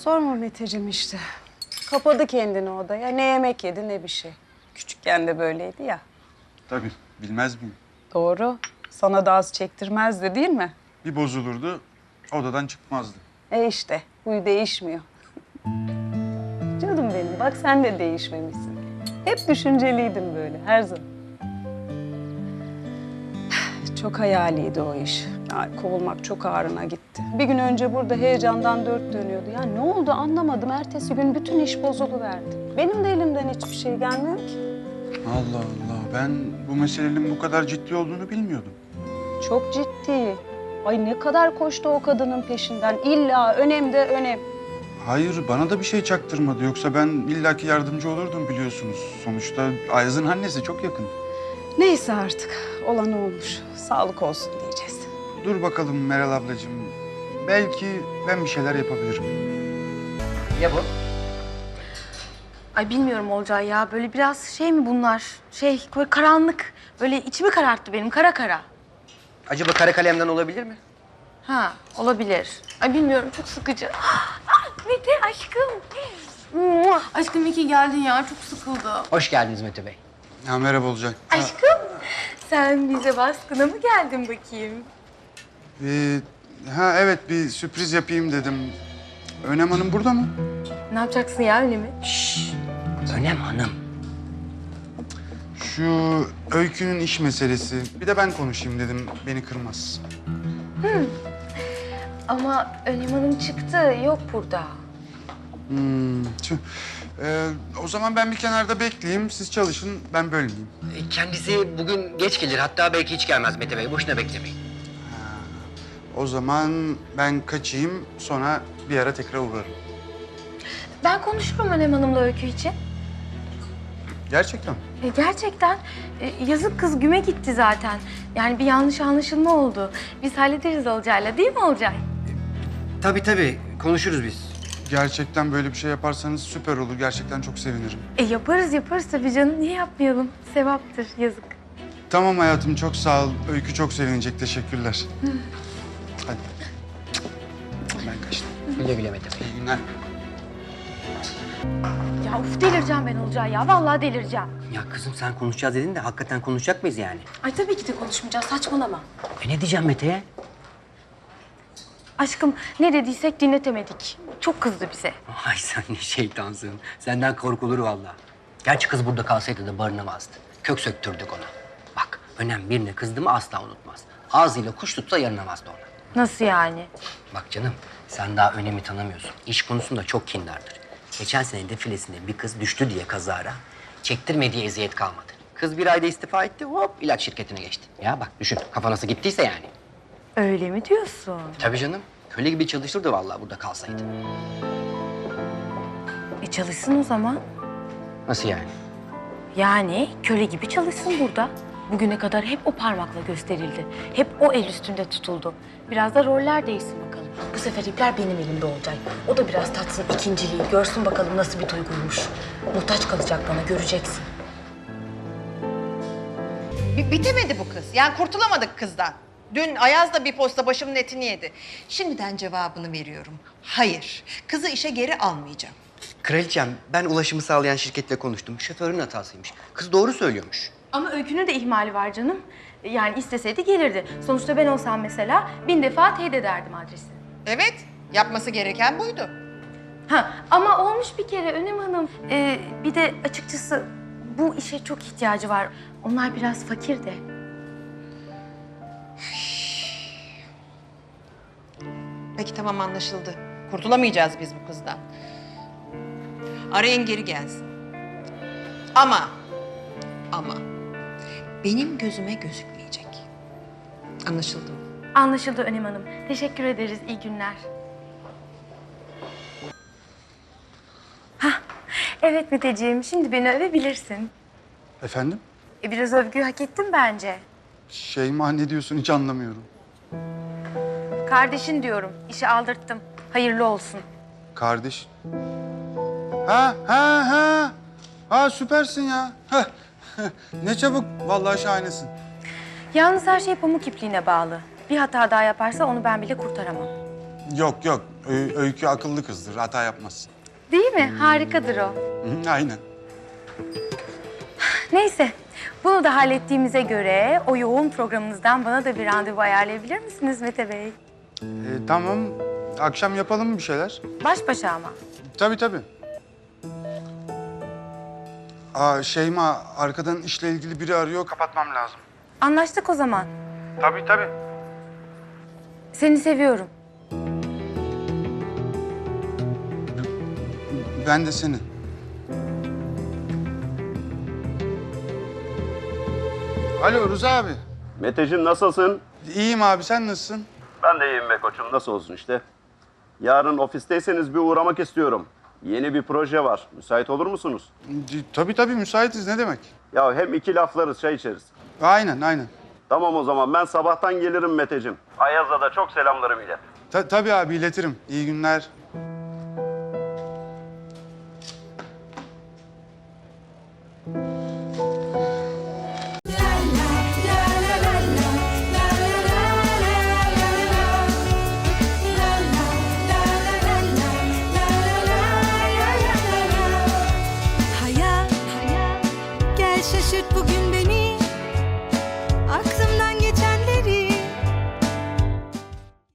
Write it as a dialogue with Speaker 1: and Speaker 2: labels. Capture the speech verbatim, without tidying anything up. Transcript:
Speaker 1: Sorma Meteciğim işte. Kapadı kendini odaya. Ne yemek yedi ne bir şey. Küçükken de böyleydi ya.
Speaker 2: Tabii, bilmez miyim?
Speaker 1: Doğru. Sana da az çektirmezdi değil mi?
Speaker 2: Bir bozulurdu, odadan çıkmazdı.
Speaker 1: E işte, huyu değişmiyor. Canım benim, bak sen de değişmemişsin. Hep düşünceliydin böyle, her zaman. Çok hayaliydi o iş. Ya, kovulmak çok ağrına gitti. Bir gün önce burada heyecandan dört dönüyordu. Ya ne oldu anlamadım. Ertesi gün bütün iş bozuluverdi. Benim de elimden hiçbir şey gelmiyor ki.
Speaker 2: Allah Allah, ben bu meselenin bu kadar ciddi olduğunu bilmiyordum.
Speaker 1: Çok ciddi. Ay ne kadar koştu o kadının peşinden. İlla önem de önem.
Speaker 2: Hayır, bana da bir şey çaktırmadı. Yoksa ben illaki yardımcı olurdum biliyorsunuz. Sonuçta Ayaz'ın annesi çok yakın.
Speaker 1: Neyse artık. Olan olmuş. Sağlık olsun diyeceğiz.
Speaker 2: Dur bakalım Meral ablacığım. Belki ben bir şeyler yapabilirim.
Speaker 3: Ne bu?
Speaker 4: Ay bilmiyorum Olcay ya. Böyle biraz şey mi bunlar? Şey böyle karanlık. Böyle içimi kararttı benim kara kara.
Speaker 3: Acaba kara kalemden olabilir mi?
Speaker 4: Ha olabilir. Ay bilmiyorum çok sıkıcı. Ah, Mete aşkım. Mua. Aşkım iyi ki geldin ya. Çok sıkıldım.
Speaker 3: Hoş geldiniz Mete Bey.
Speaker 2: Ya merhaba olacak.
Speaker 4: Aşkım sen bize baskına mı geldin bakayım?
Speaker 2: Ee, ha evet, bir sürpriz yapayım dedim. Önem Hanım burada mı?
Speaker 4: Ne yapacaksın ya öyle mi?
Speaker 3: Şşş. Önem Hanım.
Speaker 2: Şu Öykü'nün iş meselesi. Bir de ben konuşayım dedim. Beni kırmaz.
Speaker 4: Ama Önem Hanım çıktı. Yok burada.
Speaker 2: Hmm, tüh. Ee, o zaman ben bir kenarda bekleyeyim. Siz çalışın, ben bölmeyeyim.
Speaker 3: E, Kendisi bugün geç gelir. Hatta belki hiç gelmez Mete Bey. Boşuna beklemeyin.
Speaker 2: O zaman ben kaçayım. Sonra bir ara tekrar uğrarım.
Speaker 4: Ben konuşurum Önem Hanım'la Öykü için.
Speaker 2: Gerçekten.
Speaker 4: E, gerçekten e, yazık kız güme gitti zaten. Yani bir yanlış anlaşılma oldu. Biz hallederiz Olcay'la değil mi Olcay?
Speaker 3: Tabii tabii. Konuşuruz biz.
Speaker 2: Gerçekten böyle bir şey yaparsanız süper olur. Gerçekten çok sevinirim.
Speaker 4: E yaparız yaparız tabii canım. Niye yapmayalım? Sevaptır yazık.
Speaker 2: Tamam hayatım, çok sağ ol. Öykü çok sevinecek. Teşekkürler. Hadi. Ben kaçtım.
Speaker 3: Güle güle Mete Bey.
Speaker 2: İyi günler.
Speaker 4: Ya uf delireceğim ben Olcay ya. Vallahi delireceğim.
Speaker 3: Ya kızım sen konuşacağız dedin de hakikaten konuşacak mıyız yani?
Speaker 4: Ay tabii ki de konuşmayacağız. Saçmalama.
Speaker 3: E ne diyeceğim Mete'ye?
Speaker 4: Aşkım ne dediysek dinletemedik. Çok kızdı bize.
Speaker 3: Ay sen ne şeytansın. Senden korkulur vallahi. Gerçi kız burada kalsaydı da barınamazdı. Kök söktürdük ona. Bak Önem birine kızdı mı asla unutmaz. Ağzıyla kuş tutsa yaranamazdı ona.
Speaker 4: Nasıl yani?
Speaker 3: Bak canım, sen daha Önem'i tanımıyorsun. İş konusunda çok kindardır. Geçen sene defilesinde bir kız düştü diye kazara, çektirmediği eziyet kalmadı. Kız bir ayda istifa etti, hop ilaç şirketine geçti. Ya bak düşün, kafa nasıl gittiyse yani.
Speaker 4: Öyle mi diyorsun?
Speaker 3: Tabii canım, köle gibi çalışırdı vallahi burada kalsaydı.
Speaker 4: E çalışsın o zaman.
Speaker 3: Nasıl yani?
Speaker 4: Yani köle gibi çalışsın burada. Bugüne kadar hep o parmakla gösterildi. Hep o el üstünde tutuldu. Biraz da roller değişsin bakalım. Bu sefer ipler benim elimde olacak. O da biraz tatsın ikinciliği. Görsün bakalım nasıl bir duyguymuş. Muhtaç kalacak bana, göreceksin.
Speaker 5: Bi- Bitemedi bu kız. Yani kurtulamadık kızdan. Dün Ayaz da bir posta başımın etini yedi. Şimdiden cevabını veriyorum. Hayır. Kızı işe geri almayacağım.
Speaker 3: Kraliçem, ben ulaşımı sağlayan şirketle konuştum. Şoförün hatasıymış. Kız doğru söylüyormuş.
Speaker 4: Ama Öykü'nün de ihmali var canım. Yani isteseydi gelirdi. Sonuçta ben olsam mesela bin defa teyit ederdim adresi.
Speaker 5: Evet. Yapması gereken buydu.
Speaker 4: Ha ama olmuş bir kere Önem Hanım. Ee, bir de açıkçası bu işe çok ihtiyacı var. Onlar biraz fakir de.
Speaker 5: Peki tamam, anlaşıldı. Kurtulamayacağız biz bu kızdan. Arayın geri gelsin. Ama, ama benim gözüme gözükmeyecek. Anlaşıldı mı?
Speaker 4: Anlaşıldı Önem Hanım. Teşekkür ederiz. İyi günler. Hah, evet Meteciğim. Şimdi beni övebilirsin.
Speaker 2: Efendim?
Speaker 4: E, biraz övgü hak ettim bence.
Speaker 2: Şeyma, ne diyorsun hiç anlamıyorum.
Speaker 4: Kardeşin diyorum. İşi aldırttım. Hayırlı olsun.
Speaker 2: Kardeş. Ha ha ha. Ha süpersin ya. Heh. Ne çabuk. Vallahi şahanesin.
Speaker 4: Yalnız her şey pamuk ipliğine bağlı. Bir hata daha yaparsa onu ben bile kurtaramam.
Speaker 2: Yok yok, Ö- Öykü akıllı kızdır, hata yapmaz.
Speaker 4: Değil mi? Harikadır o.
Speaker 2: Hı, aynen.
Speaker 4: Neyse, bunu da hallettiğimize göre o yoğun programınızdan bana da bir randevu ayarlayabilir misiniz Mete Bey?
Speaker 2: Ee, tamam, akşam yapalım mı bir şeyler?
Speaker 4: Baş başa ama.
Speaker 2: Tabii tabii. Aa, Şeyma, arkadan işle ilgili biri arıyor, kapatmam lazım.
Speaker 4: Anlaştık o zaman.
Speaker 2: Tabii tabii.
Speaker 4: Seni seviyorum.
Speaker 2: Ben de seni. Alo Rıza abi.
Speaker 6: Meteciğim nasılsın?
Speaker 2: İyiyim abi, sen nasılsın?
Speaker 6: Ben de iyiyim be koçum. Nasıl olsun işte. Yarın ofisteyseniz bir uğramak istiyorum. Yeni bir proje var. Müsait olur musunuz?
Speaker 2: Tabii tabii, müsaitiz, ne demek?
Speaker 6: Ya hem iki laflarız, çay içeriz.
Speaker 2: Aynen aynen.
Speaker 6: Tamam o zaman ben sabahtan gelirim Meteciğim. Ayaz'a da çok selamlarım ilet.
Speaker 2: Ta- tabii abi, iletirim. İyi günler.